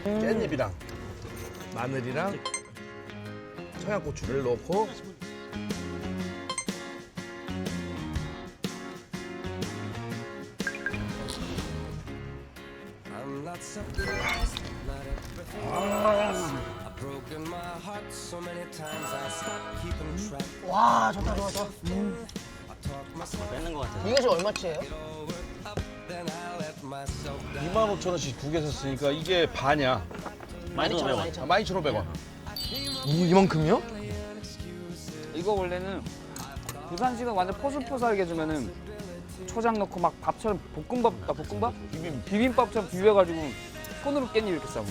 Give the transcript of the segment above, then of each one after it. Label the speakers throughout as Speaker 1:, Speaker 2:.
Speaker 1: 깻잎이랑 마늘이랑 청양고추를 넣고
Speaker 2: 와 좋다 좋아 좋아.
Speaker 3: 뺏는 것 같아.
Speaker 2: 이게 지금 얼마치예요?
Speaker 1: 25,000원씩 두 개 샀으니까 이게 반이야.
Speaker 3: 12,500원.
Speaker 1: 12,500원.
Speaker 4: 이만큼이요?
Speaker 5: 이거 원래는 부산식은 완전 포슬포슬하게 해주면은 초장 넣고 막 밥처럼 볶음밥? 비빔밥처럼 비벼가지고 손으로 깻잎 이렇게 싸고.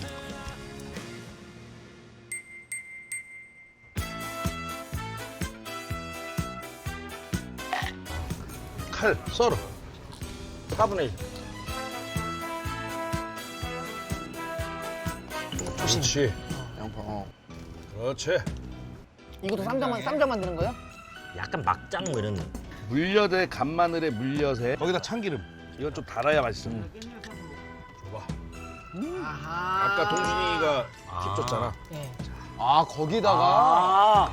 Speaker 1: 칼 썰어. 4분의 1. 그렇지.
Speaker 4: 양파.
Speaker 1: 그렇지.
Speaker 2: 이것도 쌈장 만드는 거예요?
Speaker 3: 약간 막장 뭐 이런.
Speaker 1: 물엿에 간마늘에 물엿에 거기다 참기름. 이건 좀 달아야 맛있어. 줘봐.
Speaker 2: 아하.
Speaker 1: 아까 동준이가 팁 줬잖아.
Speaker 2: 네.
Speaker 4: 아 거기다가
Speaker 3: 아,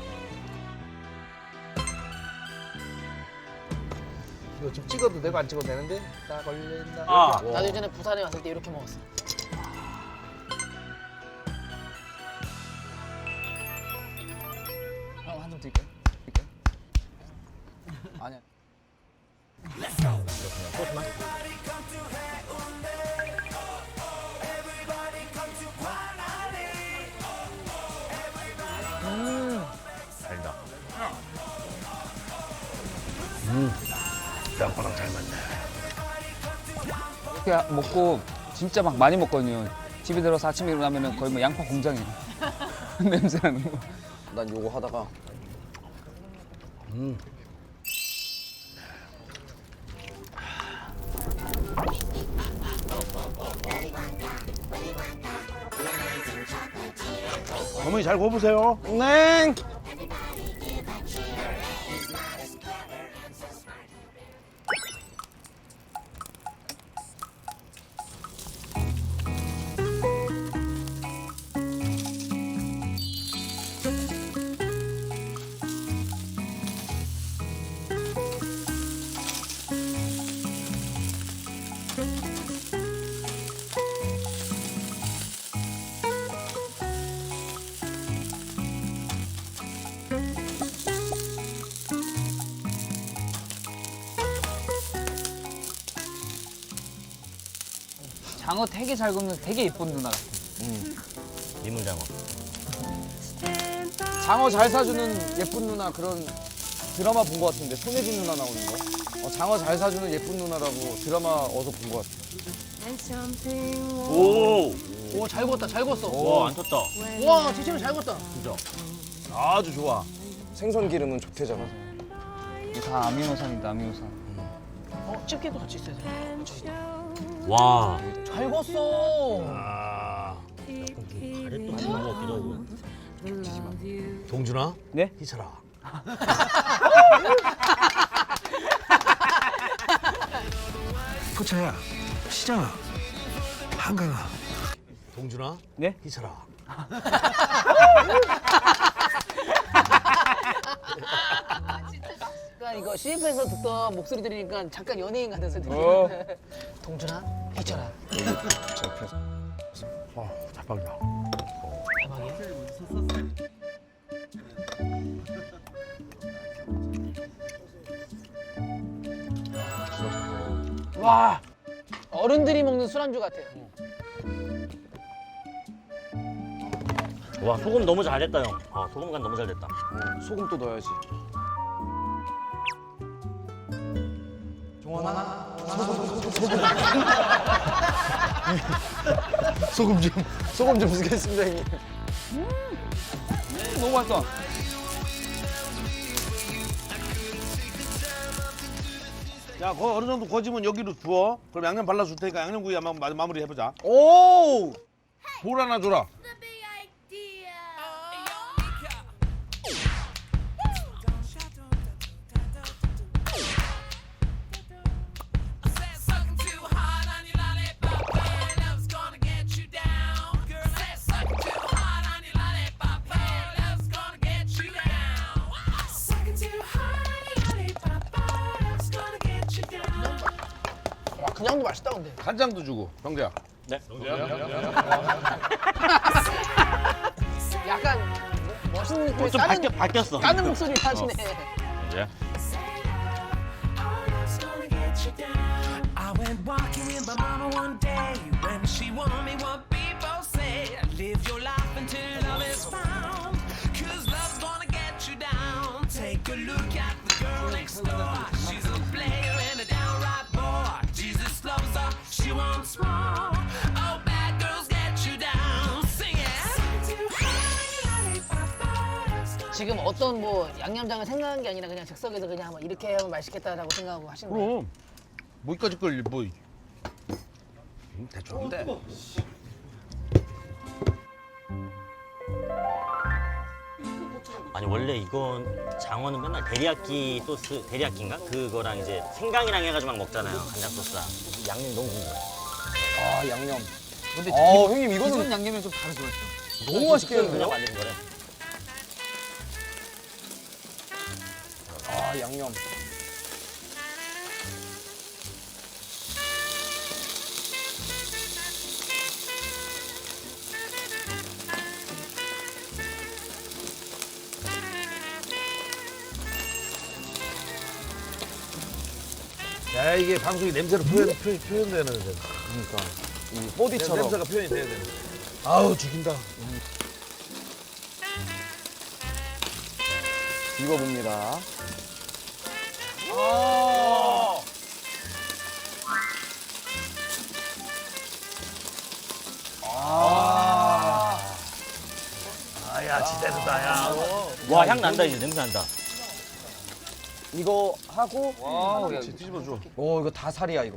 Speaker 1: 이거 좀 찍어도 되고 안 찍어도 되는데 딱 걸린다.
Speaker 3: 아.
Speaker 1: 이렇게.
Speaker 2: 나도 예전에 부산에 왔을 때 이렇게 먹었어.
Speaker 5: 한 점 드릴까요? 아니야.
Speaker 3: 달다.
Speaker 1: 양파랑 잘 맞네.
Speaker 5: 이렇게 먹고 진짜 막 많이 먹거든요. 집에 들어서 아침에 일어나면은 거의 뭐 양파 공장이에요. 냄새 나는 거.
Speaker 4: 난 요거 하다가
Speaker 1: 어머니 잘 구워보세요.
Speaker 4: 네.
Speaker 5: 장어 되게 잘 굽는 되게 예쁜 누나 같아.
Speaker 3: 민물장어.
Speaker 4: 장어 잘 사주는 예쁜 누나 그런 드라마 본 것 같은데 손예진 누나 나오는 거. 장어 잘 사주는 예쁜 누나라고 드라마 어디서 본 것 같아.
Speaker 3: 오,
Speaker 2: 오 잘 구웠다 잘 구웠어.
Speaker 3: 와, 안 쳤다.
Speaker 2: 와 지치면 잘 구웠다.
Speaker 3: 진짜.
Speaker 1: 아주 좋아.
Speaker 4: 생선 기름은 좋대잖아.
Speaker 5: 이게 다 아미노산이다 아미노산.
Speaker 2: 집게도 같이 있어야 돼.
Speaker 3: 와,
Speaker 2: 잘 구웠어.
Speaker 1: 아,
Speaker 3: 잘했던 것 같기도 하고.
Speaker 1: 동준아.
Speaker 5: 네?
Speaker 1: 희철아. 포차야, 시장아, 한강아. 동준아.
Speaker 5: 네?
Speaker 1: 희철아.
Speaker 2: 그러니까 이거 CF에서 듣던 목소리 들으니까 잠깐 연예인 같아서 들리. 동준아, 희철아.
Speaker 1: 대박이야.
Speaker 2: 대박이야. 와 어른들이 먹는 술안주 같아요.
Speaker 3: 와, 소금 너무 잘됐다, 형. 소금 간 너무 잘 됐다.
Speaker 4: 소금 또 넣어야지. 소금 좀 쓰겠습니다 형님.
Speaker 5: 너무 맛있어.
Speaker 1: 야, 거 어느 정도 거지면 여기로 부어. 그럼 양념 발라줄 테니까 양념구이 한번 마무리 해보자.
Speaker 4: 오!
Speaker 1: 볼 하나 줘라.
Speaker 2: 장도 맛있다 근데.
Speaker 1: 간장도 주고 병재야.
Speaker 3: 네.
Speaker 2: 약간 멋있는 느낌의
Speaker 3: 좀 바뀌었어.
Speaker 2: 까는 목소리 하시네.
Speaker 3: 네.
Speaker 6: I went walking with my mama one day when she warned me what people say. Live your life until love is found. Cause love's gonna get you down. Take a look at the girl next door. She's a player and a downright bore. Jesus loves her, she wants more. Oh, bad girls get you down. Sing it.
Speaker 2: 지금 어떤 뭐 양념장을 생각한 게 아니라 그냥 즉석에서 그냥 뭐 이렇게 하면 맛있겠다라고 생각하고 하신 거예요?
Speaker 1: 그럼 뭐기까지 걸 뭐. 대충인데.
Speaker 3: 아니 원래 이건 장어는 맨날 데리야끼 소스 데리야끼인가 그거랑 이제 생강이랑 해가지고 막 먹잖아요 간장 소스랑 양념이 너무 궁금해.
Speaker 4: 아 양념.
Speaker 5: 근데
Speaker 4: 형님
Speaker 5: 기존
Speaker 4: 이거는
Speaker 5: 양념이 좀 다르죠.
Speaker 4: 너무 맛있겠는데요?
Speaker 3: 그냥 만드는 거래.
Speaker 4: 아 양념.
Speaker 1: 야 이게 방송이 냄새로 표현되는 데.
Speaker 4: 그러니까 이 호디처럼.
Speaker 1: 냄새가 표현이 돼야 되는. 아우 죽인다.
Speaker 4: 익어봅니다.
Speaker 1: 아야 지대로다 야.
Speaker 3: 와 향 난다 이제 냄새 난다.
Speaker 4: 이거 하고
Speaker 5: 와우, 야,
Speaker 1: 뒤집어줘.
Speaker 4: 오 이거 다 살이야 이거.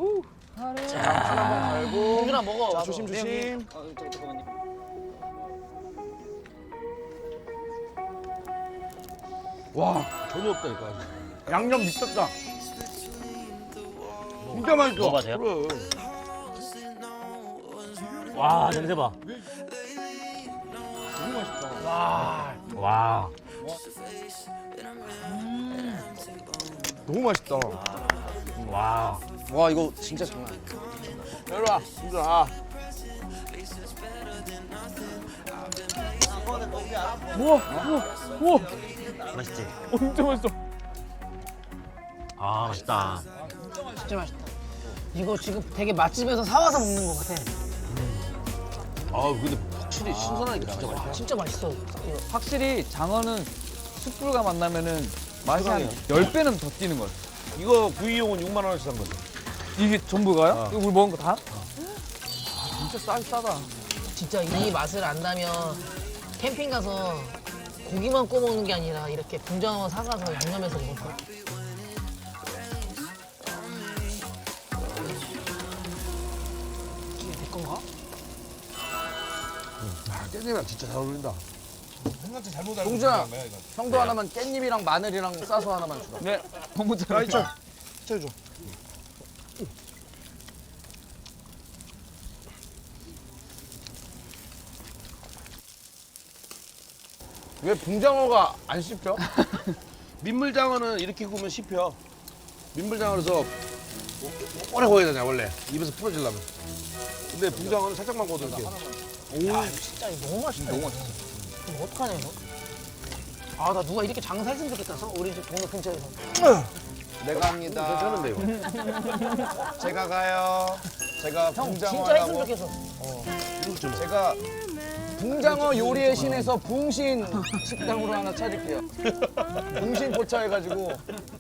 Speaker 2: 동준아 먹어. 와서.
Speaker 4: 조심 조심.
Speaker 1: 와 전혀 없다니까.
Speaker 4: 양념 미쳤다.
Speaker 1: 진짜 맛있어.
Speaker 3: 먹어봐, 돼요?
Speaker 1: 그래.
Speaker 3: 와 냄새 봐. 와.
Speaker 4: 너무 맛있다.
Speaker 3: 와.
Speaker 4: 와 이거 진짜 장난 아니야.
Speaker 1: 이리 와. 진짜. 아.
Speaker 3: 맛있지?
Speaker 5: 진짜 맛있어.
Speaker 3: 아 맛있다.
Speaker 2: 진짜 맛있다. 이거 지금 되게 맛집에서 사와서 먹는 것 같아.
Speaker 1: 아 근데 확실히 신선하니까 진짜 맛있어.
Speaker 2: 진짜 맛있어. 이거.
Speaker 5: 확실히 장어는 숯불과 만나면은 맛이 한 10배는 더 뛰는 것 같아.
Speaker 1: 이거 구이용은 6만 원씩 산 거지.
Speaker 5: 이게 전부가요? 이거 우리 먹은 거 다? 진짜 싸다.
Speaker 2: 진짜 이 맛을 안다면 캠핑 가서 고기만 구워 먹는 게 아니라 이렇게 붕장어 사가서 양념해서 먹을 거야. 이게 내 건가?
Speaker 1: 아 깻잎이랑 진짜 잘 어울린다.
Speaker 4: 동준아, 형도 하나만 깻잎이랑 마늘이랑 싸서 하나만 주라.
Speaker 5: 네, 너무 잘했어.
Speaker 1: 채줘.
Speaker 4: 왜 붕장어가 안 씹혀?
Speaker 1: 민물장어는 이렇게 구우면 씹혀. 민물장어에서 오래 구워야 되냐 원래 입에서 풀어지려면. 근데 붕장어는 살짝만 구워도 이렇게.
Speaker 2: 야, 진짜 이거 너무 맛있다. 너무 맛있어. 이거 어떡하냐, 이거? 아, 나 누가 이렇게 장사했으면 좋겠다. 우리 집 동네 근처에서.
Speaker 4: 내가 합니다.
Speaker 1: 괜찮은데 이거.
Speaker 4: 제가 가요. 제가
Speaker 2: 형,
Speaker 4: 붕장어
Speaker 2: 진짜 했으면
Speaker 4: 하려고.
Speaker 2: 좋겠어.
Speaker 4: 제가 붕장어 요리의 신에서 붕신 식당으로 하나 차릴게요. 붕신 포차 해가지고